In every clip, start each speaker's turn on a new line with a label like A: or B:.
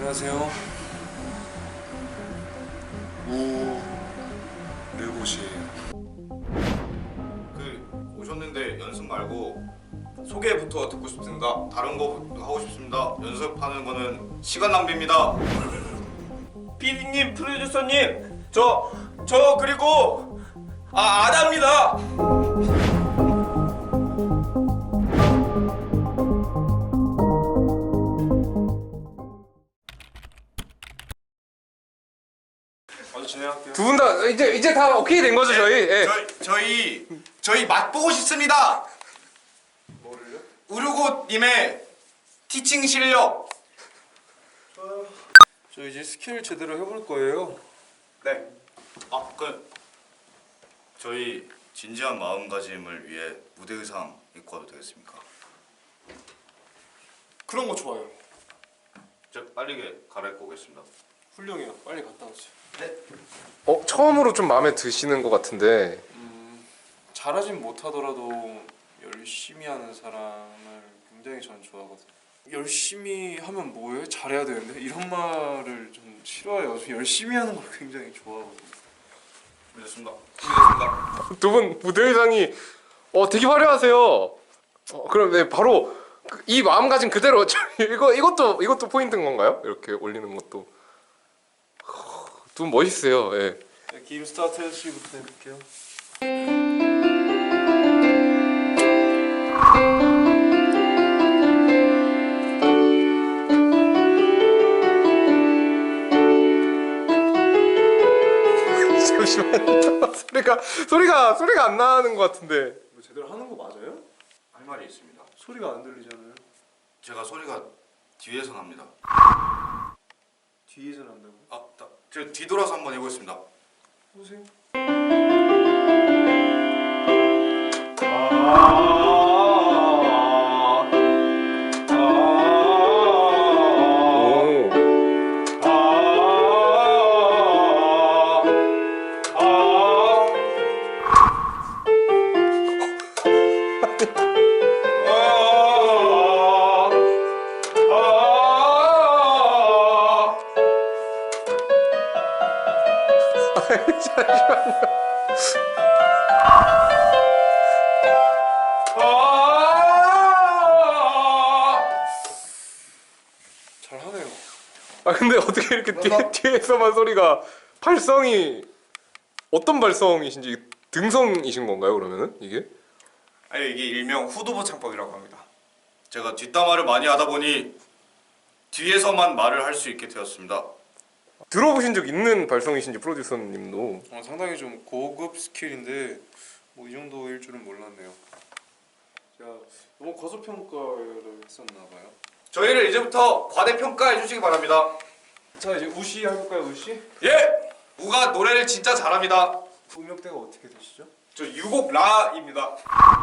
A: 안녕하세요. 르봇이에요.
B: 오셨는데 연습 말고 소개부터 듣고 싶습니다. 다른 거 하고 싶습니다. 연습하는 거는 시간 낭비입니다. PD님, 프로듀서님, 저 그리고 아다입니다.
A: 먼저 진행할게요.
C: 두 분 다 이제 다 오케이 된 거죠, 저희? 예.
B: 저희 맛보고 싶습니다.
A: 뭐를요?
B: 우르고님의 티칭 실력.
A: 저 이제 스킬 제대로 해볼 거예요.
B: 네. 저희 진지한 마음가짐을 위해 무대 의상 입고 와도 되겠습니까?
A: 그런 거 좋아요.
B: 저 빠르게 갈아입고 오겠습니다.
A: 훌륭해요. 빨리 갔다 오세요.
B: 네.
C: 처음으로 좀 마음에 드시는 것 같은데.
A: 잘하진 못하더라도 열심히 하는 사람을 굉장히 저는 좋아하거든요. 열심히 하면 뭐해? 잘해야 되는데 이런 말을 좀 싫어해요. 저 열심히 하는 걸 굉장히 좋아하거든요.
B: 준비됐습니다.
C: 두 분 무대 의상이 되게 화려하세요. 그럼 네, 바로 이 마음가짐 그대로 이것도 포인트인 건가요? 이렇게 올리는 것도 두 분 멋있어요. 예.
A: 네, 게임 스타트 해주시부터 해볼게요.
C: 잠시만요. 소리가 안 나는 것 같은데.
A: 뭐 제대로 하는 거 맞아요?
B: 할 말이 있습니다.
A: 소리가 안 들리잖아요.
B: 제가 소리가 뒤에서 납니다.
A: 뒤에서 난다고?
B: 제가 뒤돌아서 한번 해보겠습니다.
A: 보세요. 잘하네요.
C: 근데 어떻게 이렇게 뒤에서만 소리가 발성이 어떤 발성이신지 등성이신 건가요, 그러면은 이게?
B: 아니, 이게 일명 후두부 창법이라고 합니다. 제가 뒷담화를 많이 하다 보니 뒤에서만 말을 할 수 있게 되었습니다.
C: 들어보신 적 있는 발성이신지 프로듀서님도.
A: 상당히 좀 고급 스킬인데 뭐 이 정도일 줄은 몰랐네요. 제가 너무 과소평가를 했었나봐요.
B: 저희를 이제부터 과대평가해 주시기 바랍니다.
A: 자, 이제 우시 해볼까요? 우시?
B: 예! 우가 노래를 진짜 잘합니다.
A: 음역대가 어떻게 되시죠?
B: 저 유곡 라입니다.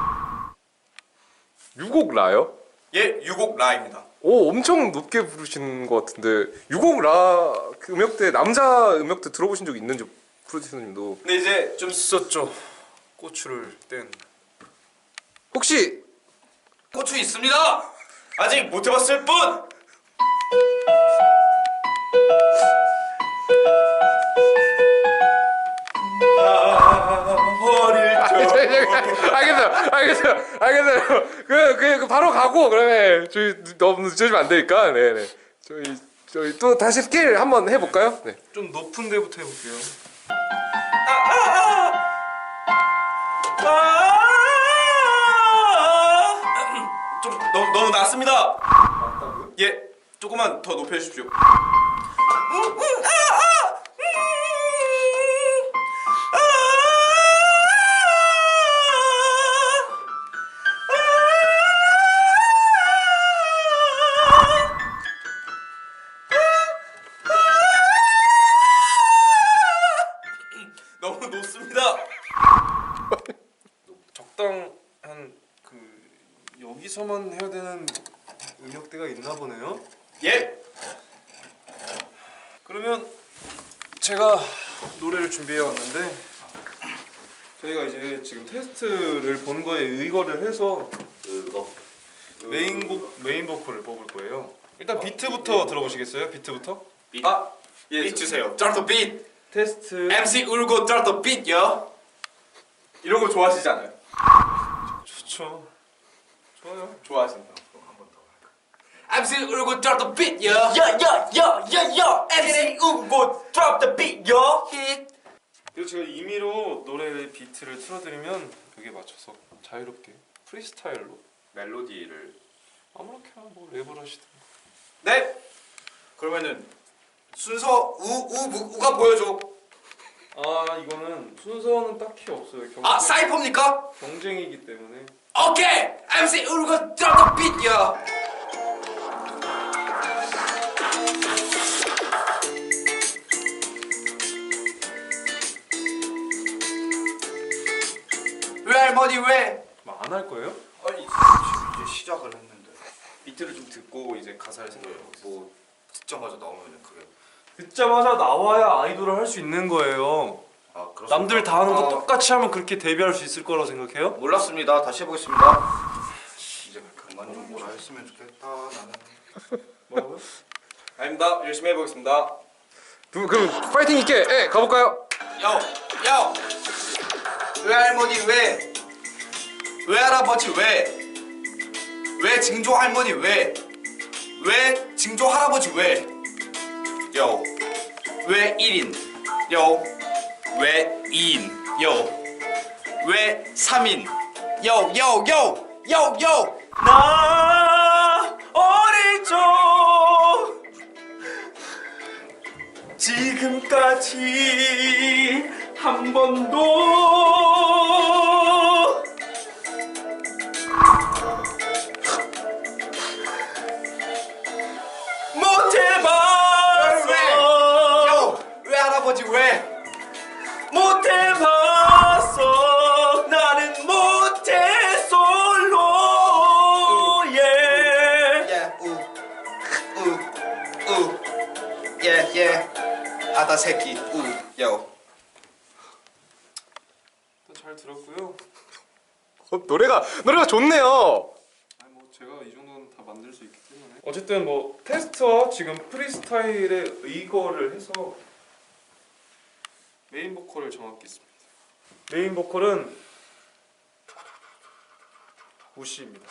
C: 유곡 라요?
B: 예, 유곡 라입니다.
C: 엄청 높게 부르시는 것 같은데 유곡 라 그 음역대 남자 음역대 들어보신 적 있는지 프로듀서님도.
B: 근데 이제 좀
A: 있었죠. 고추를 뗀.
C: 혹시
B: 고추 있습니다. 아직 못 해봤을 뿐.
C: 알겠어요. 그 바로 가고 그러면 저희 너무 늦어지면 안 되니까. 네네. 저희 또 다시 스케일 한번 해볼까요? 네.
A: 좀 높은 데부터 해볼게요.
B: 좀 너무 낮습니다.
A: 맞다고요?
B: 예, 조금만 더 높여주십시오. 너무 높습니다.
A: 적당한 여기서만 해야 되는 음역대가 있나 보네요.
B: 예.
A: 그러면 제가 노래를 준비해 왔는데 저희가 이제 지금 테스트를 본 거에 의거를 해서 메인 보컬을 뽑을 거예요. 일단 비트부터 들어보시겠어요? 비트부터?
B: 빗 주세요. Drop the beat.
A: 테스트.
B: MC 울고 drop the beat 요. 이런 거 좋아하시잖아요.
A: 좋죠. 좋아요.
B: 좋아하신다. MC 울고 drop the beat 요. 야야야야야. MC 울고 drop the beat 요. Hit.
A: 그리고 제가 임의로 노래 비트를 틀어드리면 그게 맞춰서 자유롭게 프리스타일로
B: 멜로디를.
A: 아무렇게나 뭐 랩을 하시든.
B: 네. 그러면은 순서 우가 보여줘.
A: 아 이거는 순서는 딱히 없어요.
B: 아 사이퍼입니까?
A: 경쟁이기 때문에.
B: 오케이. MC 울고 drop the beat 요. 왜 할머니 왜?
A: 안 할 거예요?
B: 아니 이제 시작을 했는데
A: 비트를 좀 듣고 이제 가사를 생각해 보세요.
B: 뭐 듣자마자 나오면 그게
A: 듣자마자 나와야 아이돌을 할 수 있는 거예요.
B: 그렇습니다.
A: 남들 다 하는 거 똑같이 하면 그렇게 데뷔할 수 있을 거라고 생각해요?
B: 몰랐습니다. 다시 해보겠습니다. 이제 그만 좀 뭐라 했으면 좋겠다 나는.
A: 뭐라고요?
B: 아닙니다. 열심히 해보겠습니다.
C: 그럼 파이팅 있게 가볼까요?
B: 요 외할머니 왜? 외할아버지 왜? 외증조 할머니 왜? 외증조 할아버지 왜? 요 왜 1인? 요 왜 2인? 요 왜 3인? 요
A: 나 어릴 적 지금까지 한 번도 못 해봤어.
B: 왜 할아버지 왜?
A: 못 해봤어. 나는 못해 솔로.
B: 아다 새끼
A: 잘 들었고요.
C: 노래가 좋네요.
A: 아니 뭐 제가 이 정도는 다 만들 수 있기 때문에 어쨌든 뭐 테스트와 지금 프리스타일에 의거를 해서 메인 보컬을 정하고 있습니다. 메인 보컬은 우씨입니다.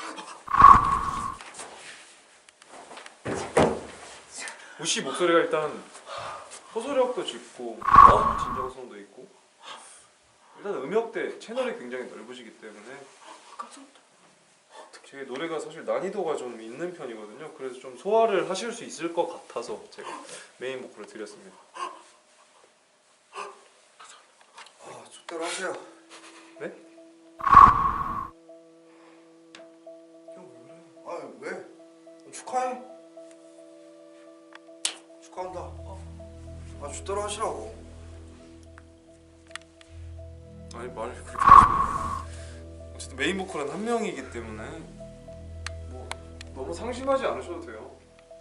A: 우씨 목소리가 일단 호소력도 짙고 진정성도 있고 일단 음역대 채널이 굉장히 넓으시기 때문에 제 노래가 사실 난이도가 좀 있는 편이거든요. 그래서 좀 소화를 하실 수 있을 것 같아서 제가 메인 보컬을 드렸습니다.
B: 족대로 하세요.
A: 네?
B: 형 왜 그래? 축하해. 축하한다. 족대로 하시라고.
A: 아니 말을 그렇게 하시면 어쨌든 메인 보컬은 한 명이기 때문에 뭐 너무 상심하지 않으셔도 돼요.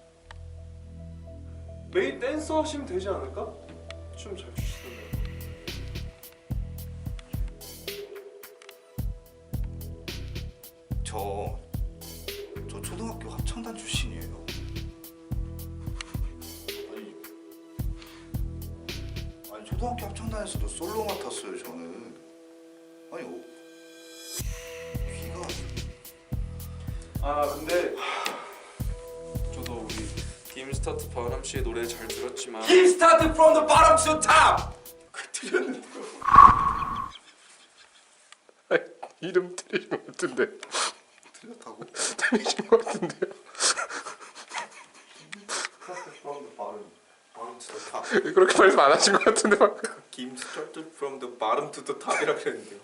A: 메인 댄서 하시면 되지 않을까? 춤 잘 추시던데.
B: 저 초등학교 합창단 출신이에요. 아니 초등학교 합창단에서도 솔로 맡았어요 저는. 아니 귀가
A: 근데 저도 우리 김스타트 바람 씨의 노래 잘 들었지만
B: Keep starting from the bottom to top. 틀렸는데요.
C: 이름 틀리신 것 같은데.
B: 틀렸다고?
C: 틀리신 것 같은데요.
B: From the bottom to the top.
C: 그렇게 말씀 안 하신 것 같은데 방금.
B: Keep starting from the bottom to the top이라 그랬는데요.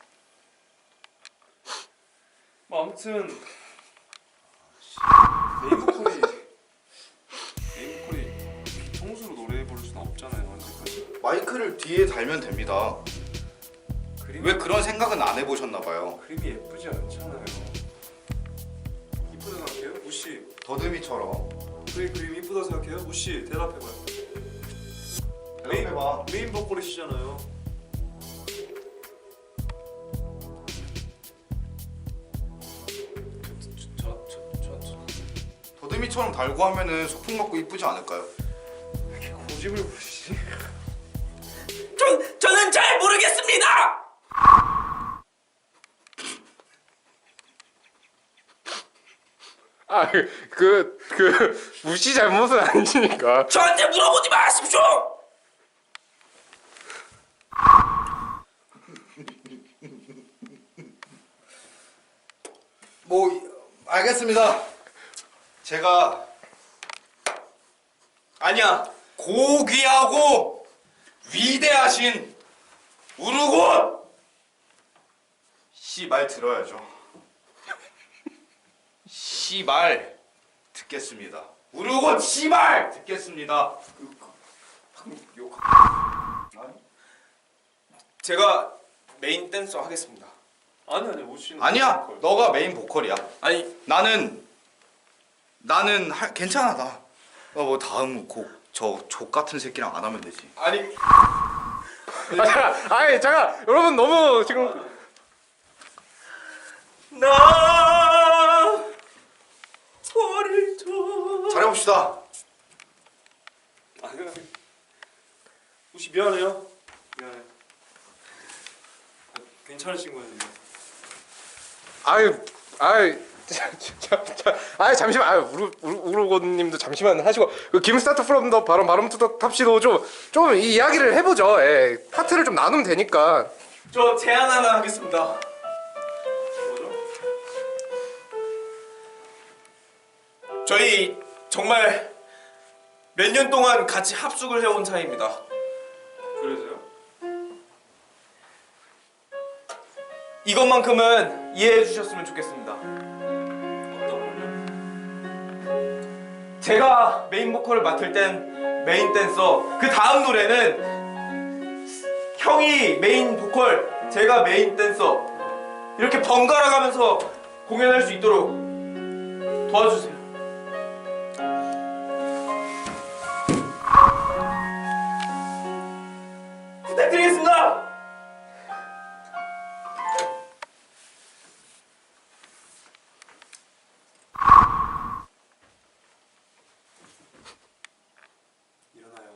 A: 뭐 아무튼 메인 보컬이 비통수로 노래 부를 수는 없잖아요 언제까지.
B: 마이크를 뒤에 달면 됩니다. 왜 그런 생각은 안 해보셨나 봐요.
A: 그림이 예쁘지 않잖아요. 이쁘다 생각해요? 우씨
B: 더듬이처럼.
A: 그림 이쁘다 생각해요? 우씨 대답해봐요.
B: 대답해봐.
A: 메인 보컬이시잖아요.
B: 도리미처럼 달고 하면은 소풍 맞고 이쁘지 않을까요?
A: 고집을 부리지.
D: 저는 잘 모르겠습니다.
C: 무시 잘못은 아니니까.
D: 저한테 물어보지 마십시오.
B: 알겠습니다. 제가 아니야 고귀하고 위대하신 우르곤 씨말 들어야죠. 씨말 듣겠습니다. 우르곤 씨말 듣겠습니다.
D: 제가 메인 댄서 하겠습니다.
A: 아니 우씨는
B: 아니야 너가 메인 보컬이야.
D: 아니
B: 나는 괜찮아 나. 뭐 다음 곡 저 족 같은 새끼랑 안 하면 되지.
D: 아니
C: 아니 잠깐 여러분 너무 지금
D: 나 소리를 줘.
B: 잘해봅시다.
A: 우씨 미안해요. 미안해. 괜찮으신 거예요 지금?
C: 아유 잠시만 우르고님도 잠시만 하시고 그 김스타트 프롬 더 바람 투더 탑시도 좀 이 이야기를 해보죠. 예, 파트를 좀 나누면 되니까.
D: 저 제안 하나 하겠습니다.
A: 뭐죠?
D: 저희 정말 몇 년 동안 같이 합숙을 해온 사이입니다.
A: 그래서요?
D: 이것만큼은 이해해 주셨으면 좋겠습니다.
A: 어떤 걸요?
D: 제가 메인 보컬을 맡을 땐 메인 댄서, 그 다음 노래는 형이 메인 보컬, 제가 메인 댄서, 이렇게 번갈아 가면서 공연할 수 있도록 도와주세요. 부탁드리겠습니다.
A: 일어나요.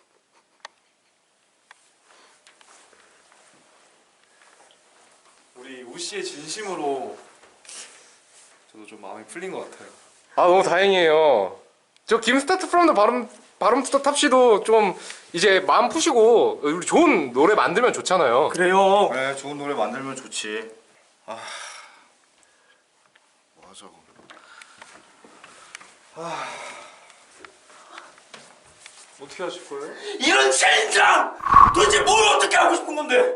A: 우리 우씨의 진심으로 저도 좀 마음이 풀린 것 같아요.
C: 아 너무 다행이에요. 저 김스타트 프롬 더 바람 투더 탑시도 좀 이제 마음 푸시고 우리 좋은 노래 만들면 좋잖아요.
D: 그래요.
B: 그래 좋은 노래 만들면 좋지. 뭐 하자고.
A: 어떻게 하실 거예요?
D: 이런 챌린지랑 도대체 뭘 어떻게 하고 싶은 건데?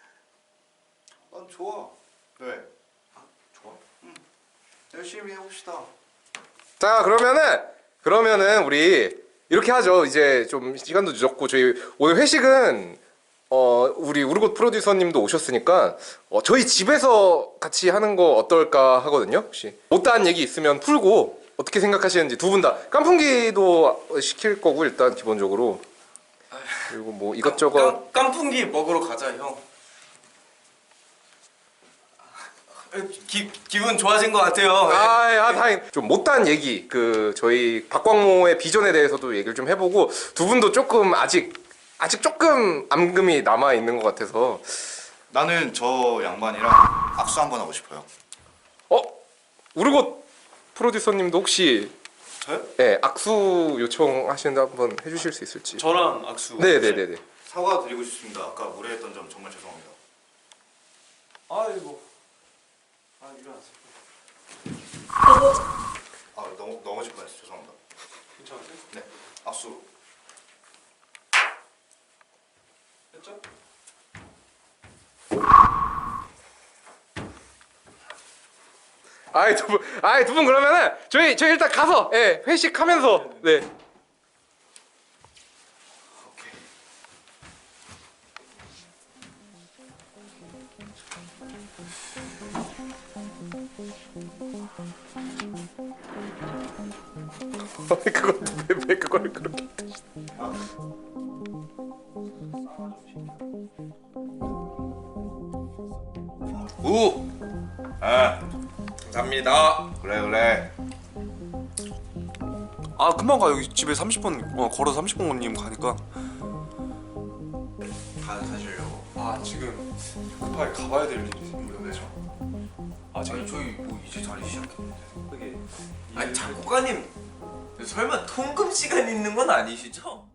B: 난 좋아. 왜? 좋아? 응. 열심히 해봅시다.
C: 자 그러면은 우리 이렇게 하죠. 이제 좀 시간도 늦었고 저희 오늘 회식은 우리 우르곳 프로듀서님도 오셨으니까 저희 집에서 같이 하는 거 어떨까 하거든요. 혹시 못다한 얘기 있으면 풀고 어떻게 생각하시는지 두 분 다 깐풍기도 시킬 거고 일단 기본적으로 그리고 뭐 이것저것
D: 깐풍기 먹으러 가자 형. 기분 좋아진 것 같아요.
C: 다행. 좀 못다한 얘기 그 저희 박광모의 비전에 대해서도 얘기를 좀 해보고 두 분도 조금 아직 조금 암금이 남아 있는 것 같아서
B: 나는 저 양반이랑 악수 한번 하고 싶어요.
C: 우르곳 프로듀서님도 혹시
A: 저요?
C: 네 악수 요청하시는데 한번 해주실 수 있을지.
A: 저랑 악수.
C: 네네네네.
B: 사과드리고 싶습니다. 아까 무례했던 점 정말 죄송합니다.
A: 아이고. 일어나세요.
B: 넘어질 뻔했어. 죄송합니다.
A: 괜찮으세요?
B: 네, 악수.
A: 됐죠?
C: 두 분 그러면은 저희 일단 가서 회식하면서 네.
B: 오케이.
C: 왜 그걸 그렇게
B: 우.
D: 감사합니다.
B: 그래.
A: 아 금방 가. 여기 집에 30분 걸어서 30분 걸리면 가니까.
B: 사시려고.
A: 아 지금 급하게 가봐야 될 일이 있는데요. 아 지금
B: 저희 뭐 이제 자리 시작했는데.
A: 그게
D: 아니 작곡가님 설마 통금 시간 있는 건 아니시죠?